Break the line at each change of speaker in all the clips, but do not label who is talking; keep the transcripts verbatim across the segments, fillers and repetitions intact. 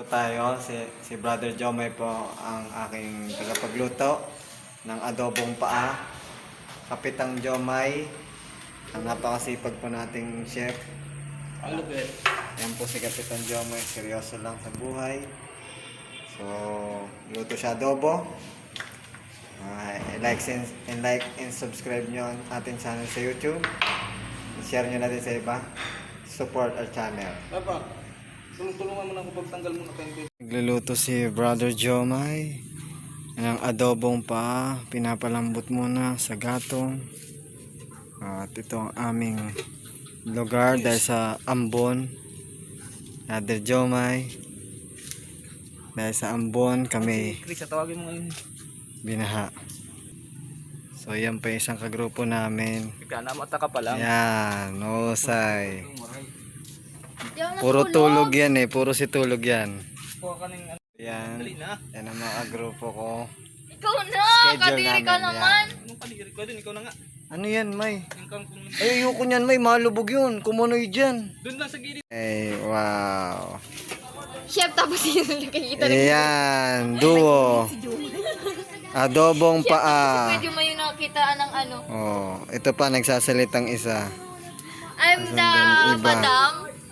tayo. Si, si Brother Jomay po ang aking tagapagluto ng adobong paa. Kapitang Jomay, ang napakasipag po nating chef.
Ang lupit.
Yan po si Kapitan Jomay, seryoso lang sa buhay. So, luto siya adobo. Uh, like and, and like and subscribe nyo ang ating channel sa YouTube. I-share nyo natin sa iba. Support our channel.
Papa, tulong-tulungan mo na ako pagtanggal mo na kayo.
Nagluluto si Brother Jomay ng adobong pa. Pinapalambot muna sa gatong. At ito ang aming lugar dahil sa Ambon. Brother Jomay. Dahil sa Ambon kami
Chris, tawagin mo ngayon.
binaha. So yan pa isang kagrupo namin.
Ika na mata ka pa lang.
Yan, husay. Puro tulog yan eh, puro si tulog yan.
Kuha ka ng ano.
Yan,
Dali na.
yan ang mga grupo ko.
Ikaw na!
Schedule
Kadiri ka
namin,
naman!
Anong kadiri ko din? Ikaw na nga.
Ano yan, May?
Yung kang kung...
Ay, ayoko niyan, May. Malubog yun. Kumunoy dyan.
Doon lang sa gilid.
Ay, wow.
Chef, tapos yun nakikita na.
Ayan, duo. Adobong paa.
Medyo may nakitaan ng ano.
Oh, ito pa, nagsasalitang isa.
I'm the
Asan din iba?
madam.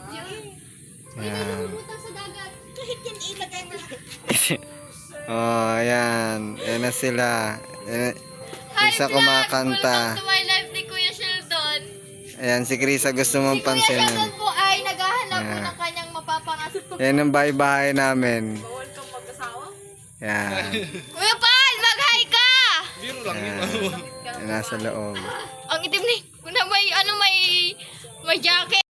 Ayan. Oh, ayan. Ayan na sila. Ayan, isa kumakanta.
Welcome to my life ni Kuya Sheldon.
Ayan, si Krisa gusto mong
Si Kuya
pansinin.
Sheldon po ay naghahanap po
Yeah.
ng kanyang mapapangaso.
Ayan ang bahay-bahay namin.
Bawal kang mag-asawa?
Ayan.
Kuya Pal, mag-hi ka!
Biro lang yun.
Ayan, nasa loob.
Ang itim ni. Kuna may ano may may jacket.